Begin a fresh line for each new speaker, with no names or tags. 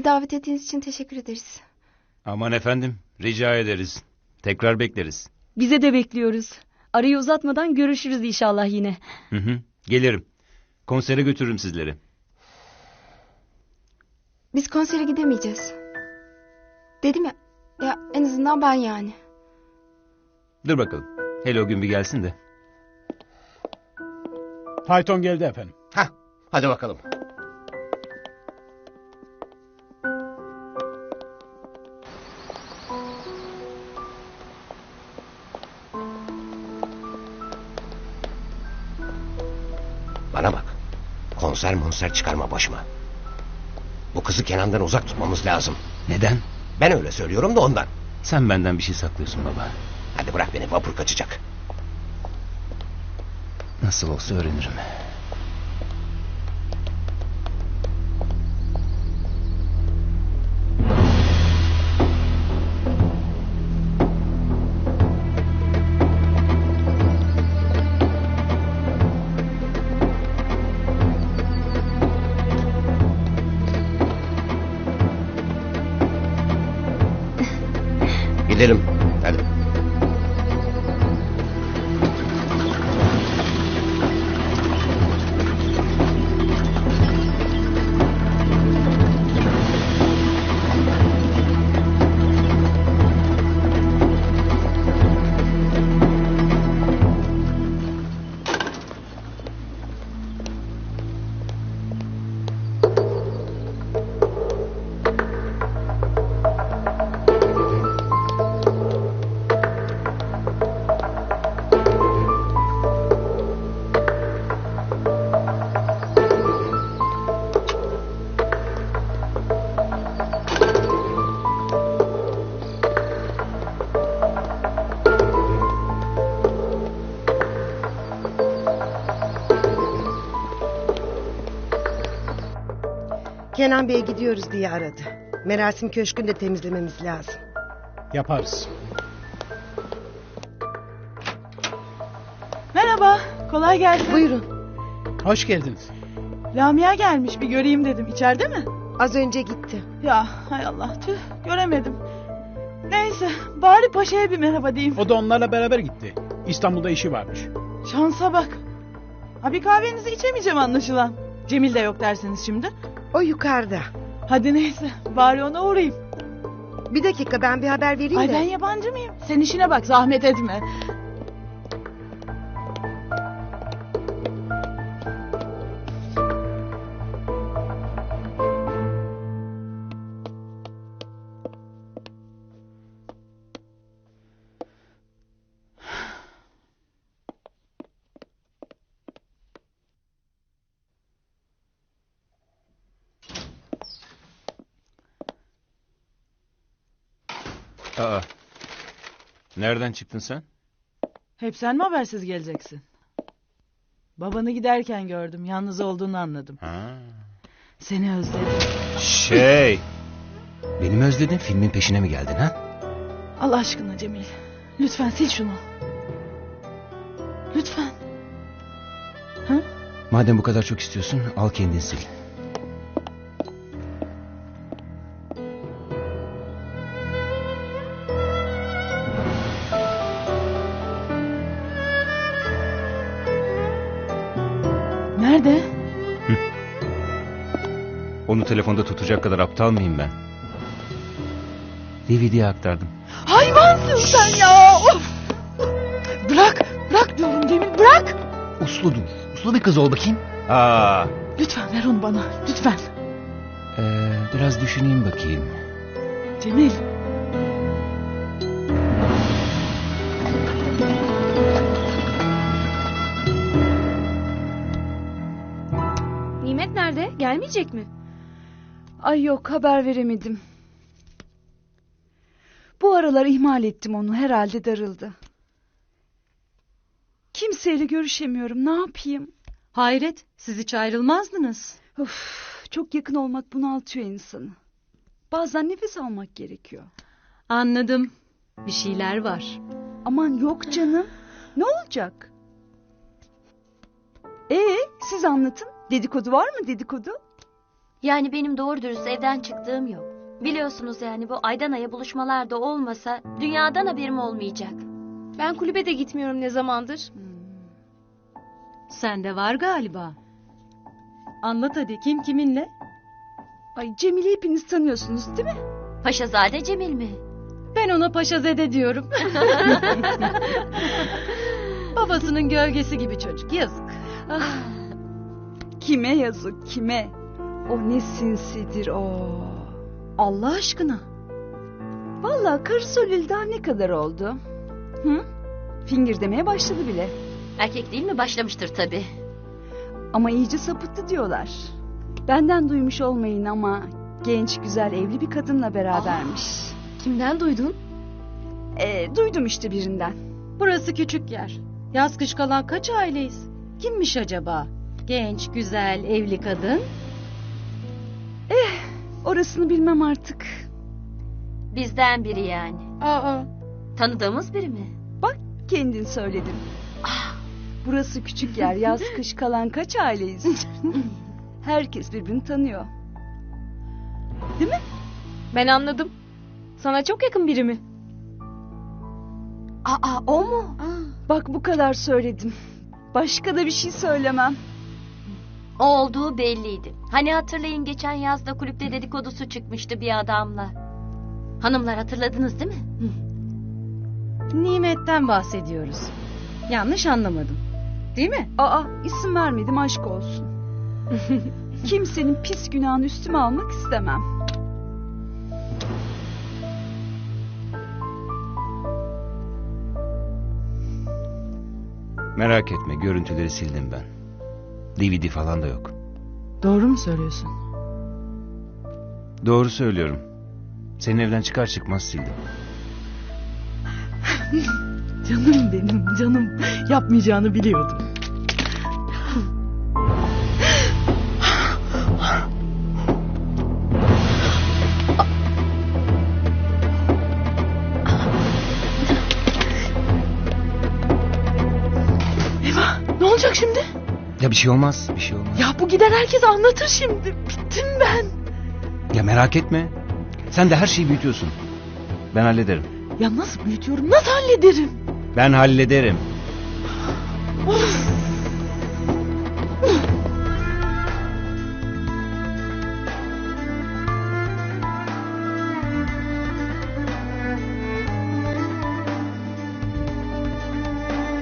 davet ettiğiniz için teşekkür ederiz.
Aman efendim, rica ederiz. Tekrar bekleriz.
Bize de bekliyoruz. Arayı uzatmadan görüşürüz inşallah yine.
Hı, gelirim. Konsere götürürüm sizleri.
Biz konsere gidemeyeceğiz. Dedim ya, en azından ben yani.
Dur bakalım. Hele o gün bir gelsin de.
Fayton geldi efendim.
Hah, hadi bakalım. Bana bak. Konser çıkarma başıma. Bu kızı Kenan'dan uzak tutmamız lazım.
Neden?
Ben öyle söylüyorum da ondan.
Sen benden bir şey saklıyorsun baba.
Hadi bırak beni, vapur kaçacak.
Nasıl olsa öğrenirim.
Gidelim. Hadi.
Kenan Bey gidiyoruz diye aradı. Merasim Köşkü'nü de temizlememiz lazım.
Yaparız.
Merhaba, kolay gelsin.
Buyurun.
Hoş geldiniz.
Lamia gelmiş, bir göreyim dedim. İçeride mi?
Az önce gitti.
Ya hay Allah, tüh, göremedim. Neyse, bari paşaya bir merhaba diyeyim.
O da onlarla beraber gitti. İstanbul'da işi varmış.
Şansa bak. Ha, bir kahvenizi içemeyeceğim anlaşılan. Cemil de yok derseniz şimdi.
O yukarıda.
Hadi neyse, bari ona uğrayayım.
Bir dakika, ben bir haber vereyim
Ay
de.
ben yabancı mıyım? Sen işine bak, zahmet etme.
Aa, nereden çıktın sen?
Hep sen mi habersiz geleceksin? Babanı giderken gördüm, yalnız olduğunu anladım.
Ha.
Seni özledim.
Beni mi özledin, filmin peşine mi geldin ha?
Allah aşkına Cemil, lütfen sil şunu. Lütfen. Ha?
Madem bu kadar çok istiyorsun, al kendin sil.
Nerede?
Onu telefonda tutacak kadar aptal mıyım ben? DVD'ye aktardım.
Hayvansın sen ya! Of! Bırak diyorum Cemil, bırak!
Uslu dur. Uslu bir kız ol bakayım. Aa.
Lütfen ver onu bana, lütfen.
Biraz düşüneyim bakayım.
Cemil.
Nimet nerede? Gelmeyecek mi? Ay yok, haber veremedim. Bu aralar ihmal ettim onu, herhalde darıldı. Kimseyle görüşemiyorum, ne yapayım?
Hayret, siz hiç ayrılmazdınız.
Of, çok yakın olmak bunaltıyor insanı. Bazen nefes almak gerekiyor.
Anladım. Bir şeyler var.
Aman yok canım. Ne olacak? Siz anlatın. Dedikodu var mı, dedikodu?
Yani benim doğru dürüst evden çıktığım yok. Biliyorsunuz yani bu aydan aya buluşmalar da olmasa dünyadan haberim olmayacak.
Ben kulübe de gitmiyorum ne zamandır.
Sende var galiba. Anlat hadi, kim kiminle?
Ay Cemil'i hepiniz tanıyorsunuz değil mi?
Paşazade Cemil mi?
Ben ona Paşazede diyorum. Babasının gölgesi gibi çocuk, yazık.
Kime yazık kime? O ne sinsidir o.
Allah aşkına.
Vallahi karısı öleli daha ne kadar oldu? Hı? Fingir demeye başladı bile.
Erkek değil mi? Başlamıştır tabii.
Ama iyice sapıttı diyorlar. Benden duymuş olmayın ama genç güzel evli bir kadınla berabermiş.
Kimden duydun?
Duydum işte birinden.
Burası küçük yer. Yaz kış kalan kaç aileyiz? Kimmiş acaba? Genç, güzel, evli kadın.
Orasını bilmem artık.
Bizden biri yani.
Aa.
Tanıdığımız biri mi?
Bak kendin söyledin. Burası küçük yer, yaz kış kalan kaç aileyiz? Herkes birbirini tanıyor. Değil mi?
Ben anladım. Sana çok yakın biri mi?
Aa, o mu?
Bak bu kadar söyledim. Başka da bir şey söylemem.
O olduğu belliydi. Hani hatırlayın geçen yazda kulüpte dedikodusu çıkmıştı bir adamla. Hanımlar hatırladınız değil mi?
Nimet'ten bahsediyoruz. Yanlış anlamadım. Değil mi?
İsim vermedim aşk olsun. Kimsenin pis günahını üstüme almak istemem.
Merak etme, görüntüleri sildim ben. DVD falan da yok.
Doğru mu söylüyorsun?
Doğru söylüyorum. Senin evden çıkar çıkmaz sildim.
Canım benim, canım. Yapmayacağını biliyordum. Eyvah, ne olacak şimdi?
Ya bir şey olmaz, bir şey olmaz.
Ya bu gider herkes anlatır şimdi. Bittim ben.
Ya merak etme. Sen de her şeyi büyütüyorsun. Ben hallederim.
Ya nasıl büyütüyorum, nasıl hallederim?
Ben hallederim.
Of.